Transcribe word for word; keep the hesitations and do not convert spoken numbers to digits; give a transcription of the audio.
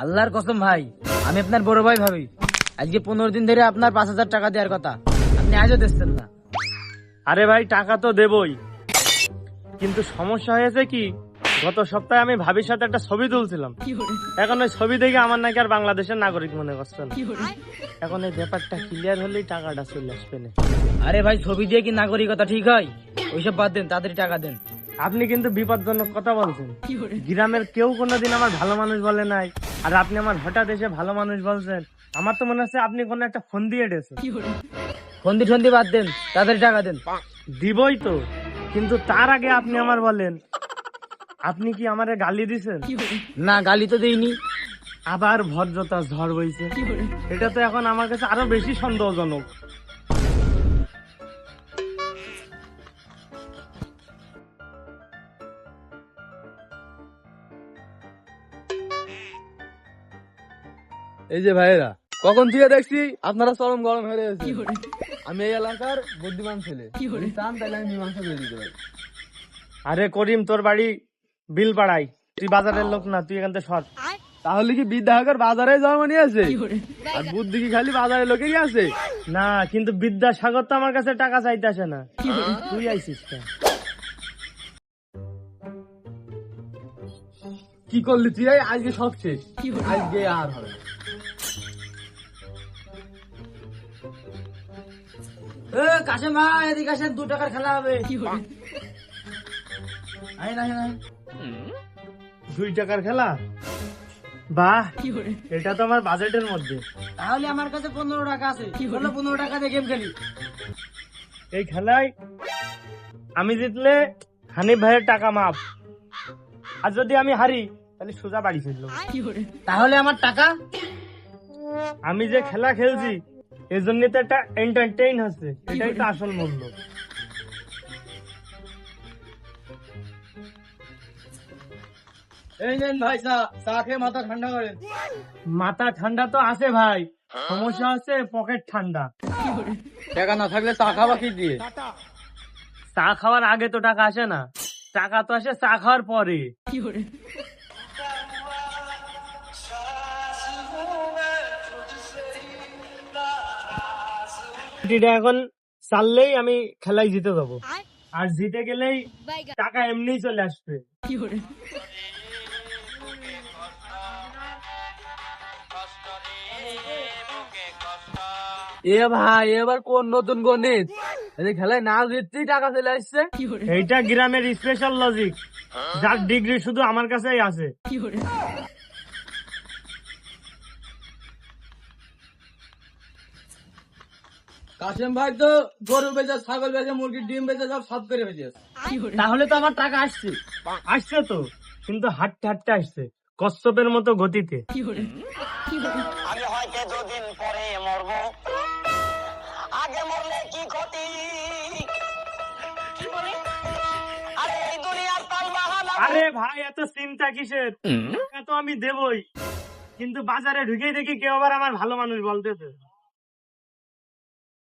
আল্লাহর কসম ভাই, আমি আপনার বড় ভাই ভাবি। আজকে পনেরো দিন ধরে আপনার পাঁচ হাজার টাকা দেওয়ার কথা, আপনি আজও দিচ্ছেন না। আরে ভাই টাকা তো দেবই, কিন্তু সমস্যা হয়েছে কি, গত সপ্তাহে আমি ভাবির সাথে একটা ছবি তুলছিলাম। এখন ওই ছবি দেখে আমার নাকি আর বাংলাদেশের নাগরিক মনে করছে না। এখন এই ব্যাপারটা ক্লিয়ার হলেই টাকাটা চলে আসবে না। আরে ভাই, ছবি দিয়ে কি নাগরিকতা ঠিক হয়? ওইসব বাদ দেন, তাড়াতাড়ি টাকা দেন। আপনি কিন্তু বিপজ্জনক কথা বলছেন। গ্রামের কেউ কোনোদিন আমার ভালো মানুষ বলে নাই, আর আপনি আমার হঠাৎ এসে ভালো মানুষ বলছেন। আমার তো মনে হচ্ছে আপনি কোনো একটা ফোন দিয়ে এসেছেন। ফন্দি ঠন্দি বাদ দেন, তাড়াতাড়ি টাকা দেন। দিবই তো, কিন্তু তার আগে আপনি আমার বলেন, আপনি কি আমারে গালি দিছেন? না, গালি তো দেইনি। আবার ভদ্রতা ঝড় বইছে, এটা তো এখন আমার কাছে আরো বেশি সন্দেহজনক। এই যে ভাইয়েরা, কখন থেকে দেখছি আপনারা চরম গরম হয়ে রয়েছে। আমি এই এলাকার বুদ্ধিমান ছেলে, যদি চান তাহলে আমি মীমাংসা করে দিতে পারি। আরে করিম, তোর বাড়ি বিল পাড়াই, তুই বাজারের লোক না, তুই এখান থেকে সর। তাহলে কি বিদ্যাসাগর বাজারে জন্ম নিয়েছে আর বুদ্ধি কি খালি বাজারের লোকেরই আছে? না, কিন্তু বিদ্যাসাগর তো আমার কাছে টাকা চাইতে আসে না, তুই আইসিস কেন? কি করলি তুই? এই আজকে সব শেষ, আজকে আর হবে না। এ কাশেম ভাই, এদিকে আসেন, দু টাকার খেলা হবে। আয় না, আয় না। দুই টাকার খেলা? বাহ, এটা তো আমার বাজেটের মধ্যে। তাহলে আমার কাছে পনেরো টাকা আছে, বলো পনেরো টাকা দিয়ে গেম খেলি। এই খেলায় আমি জিতলে হানিফ ভাইয়ের টাকা মাপ, আর যদি আমি হারি তাহলে সোজা বাড়ি ফিরলো। তাহলে আমার টাকা? আমি যে খেলা খেলছি এই জন্য তো একটা এন্টারটেইন হচ্ছে, এটাই তো আসল মূল্য। এই নেন ভাই চা, চা খেয়ে মাথা ঠান্ডা করেন। মাথা ঠান্ডা তো আছে ভাই, সমস্যা হচ্ছে পকেট ঠান্ডা। টাকা না থাকলে চা খাওয়া কি দিয়ে? চা খাওয়ার আগে তো টাকা আসে না, টাকা তো আসে চা খাওয়ার পরে। এটা এখন চাললেই আমি খেলায় জিতে যাবো, আর জিতে গেলেই টাকা এমনিই চলে আসবে। এ ভাই, এবার কোন নতুন গণিত? এই খেলায় না জিততেই টাকা চলে আসছে। এইটা গ্রামের স্পেশাল লজিক, যার ডিগ্রি শুধু আমার কাছেই আছে। কাশেম ভাই তো গরু বেচে, ছাগল বেচে, মুরগির ডিম বেচে, সব সব করে বেচেছে। তাহলে তো আমার টাকা আসছে। আসছে তো, কিন্তু হাঁটতে হাঁটতে আসছে, কচ্ছপের মতো গতিতে। আমি হয়তো দুদিন পরে মরবো, আগে মরলে কি ক্ষতি? আরে এই দুনিয়ার তাল বাহানা। আরে ভাই, এত চিন্তা কিসের? টাকা তো আমি দেবই, কিন্তু বাজারে ঢুকেই দেখি কেউ আবার আমার ভালো মানুষ বলতেছে।